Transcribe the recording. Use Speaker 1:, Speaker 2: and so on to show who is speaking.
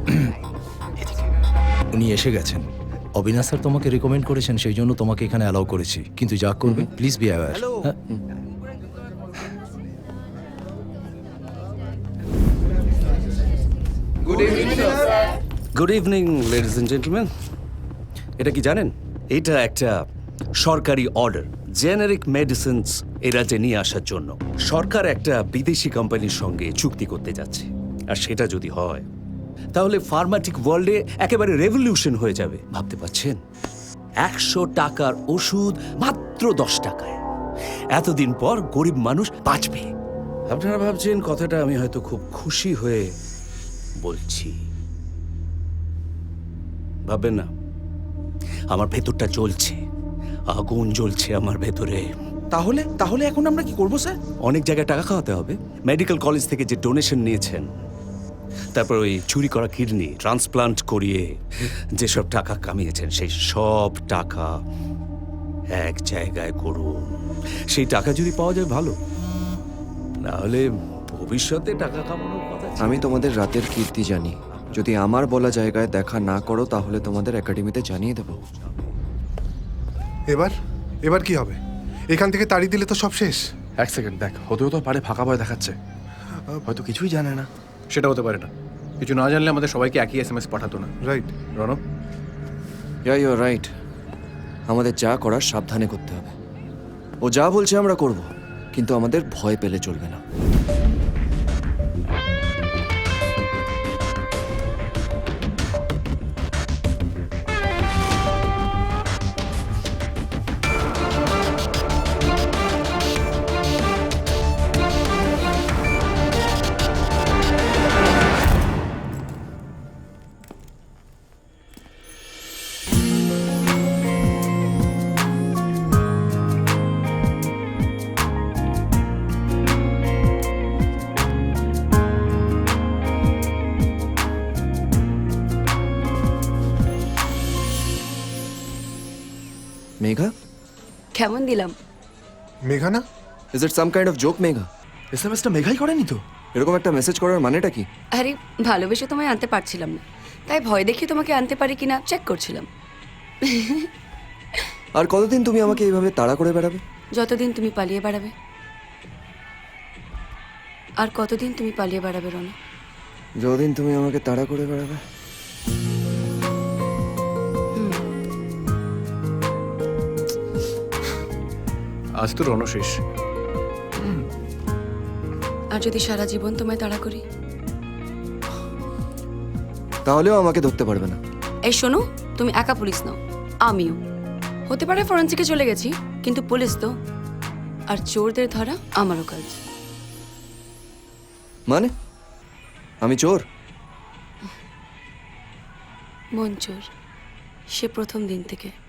Speaker 1: উনি এসে গেছেন। অবিনাশ স্যার তোমাকে রেকমেন্ড করেছেন, সেই জন্য তোমাকে এখানে অ্যালাউ করেছি। কিন্তু যা করবে please be aware.
Speaker 2: Good evening ladies and gentleman. এটা কি জানেন? এটা একটা সরকারি অর্ডার জেনারিক মেডিসিনস এই রাজ্যে নিয়ে আসার জন্য। সরকার একটা বিদেশি কোম্পানির সঙ্গে চুক্তি করতে যাচ্ছে, আর সেটা যদি হয় তাহলে ফার্মাটিক ওয়ার্ল্ডে একেবারে রেভলিউশন হয়ে যাবে। ভাবতে পারছেন? 100 টাকার ওষুধ মাত্র 10 টাকায়। এতদিন পর গরিব মানুষ বাঁচবে। আপনারা ভাবছেন কথাটা আমি হয়তো খুব খুশি হয়ে বলছি। ভাববেন না, আমার ভেতরটা জ্বলছে, আগুন জ্বলছে আমার ভেতরে।
Speaker 3: তাহলে এখন আমরা কি করবো স্যার?
Speaker 2: অনেক জায়গায় টাকা খাওয়াতে হবে। মেডিকেল কলেজ থেকে যে ডোনেশন নিয়েছেন, তারপর ওই চুরি করা কিডনি ট্রান্সপ্লান্ট করিয়ে যেসব টাকা কামিয়েছেন, সেই সব টাকা এক জায়গায় করুন। সেই টাকা যদি পাওয়া যায় ভালো, না হলে ভবিষ্যতে টাকা কামানোর কথা ছিল।
Speaker 4: আমি তোমাদের রাতের কীর্তি জানি। যদি আমার বলা জায়গায় দেখা না করো তাহলে তোমাদের একাডেমিতে জানিয়ে দেবো।
Speaker 5: এবার কি হবে? এখান থেকে তাড়িয়ে দিলে তো সব শেষ।
Speaker 3: এক সেকেন্ড দেখ, হতেও তো পারে ফাঁকা ভয় দেখাচ্ছে, হয়তো কিছুই জানে না। সেটা হতে পারে না, কিছু না জানলে আমাদের সবাইকে একই SMS পাঠাতো না।
Speaker 5: Right
Speaker 3: Ranab,
Speaker 4: you are right. আমাদের যা করার সাবধানে করতে হবে। ও যা বলছে আমরা করব, কিন্তু আমাদের ভয় পেলে চলবে না। মেঘা,
Speaker 6: কেমন দিলাম?
Speaker 5: মেঘা না?
Speaker 4: Is it some kind of joke Megha?
Speaker 3: SMS টা মেঘাই করেনি তো?
Speaker 4: এরকম একটা মেসেজ করার মানেটা কি?
Speaker 6: আরে ভালোবেসে তোমায় আনতে পারছিলাম না, তাই ভয় দেখিয়ে তোমাকে আনতে পারি কিনা চেক করছিলাম।
Speaker 4: আর কতদিন তুমি আমাকে এইভাবে তাড়া করে বেড়াবে?
Speaker 6: যতদিন তুমি পালিয়ে বেড়াবে। আর কতদিন তুমি পালিয়ে বেড়াবে রনা?
Speaker 4: যতদিন তুমি আমাকে তাড়া করে বেড়াবে।
Speaker 3: আজ তো রণ শেষ।
Speaker 6: আর যদি সারা জীবন তোমায় তাড়া করি?
Speaker 4: তাহলেও আমাকে ধরতে পারবে না।
Speaker 6: এই শোনো, তুমি একা পুলিশ নাও, আমিও। হতে পারে ফরেন্সিকে চলে গেছি, কিন্তু পুলিশ তো। আর চোরদের ধরা আমারও কাজ।
Speaker 4: মানে আমি চোর?
Speaker 6: মন চোর, সে প্রথম দিন থেকে।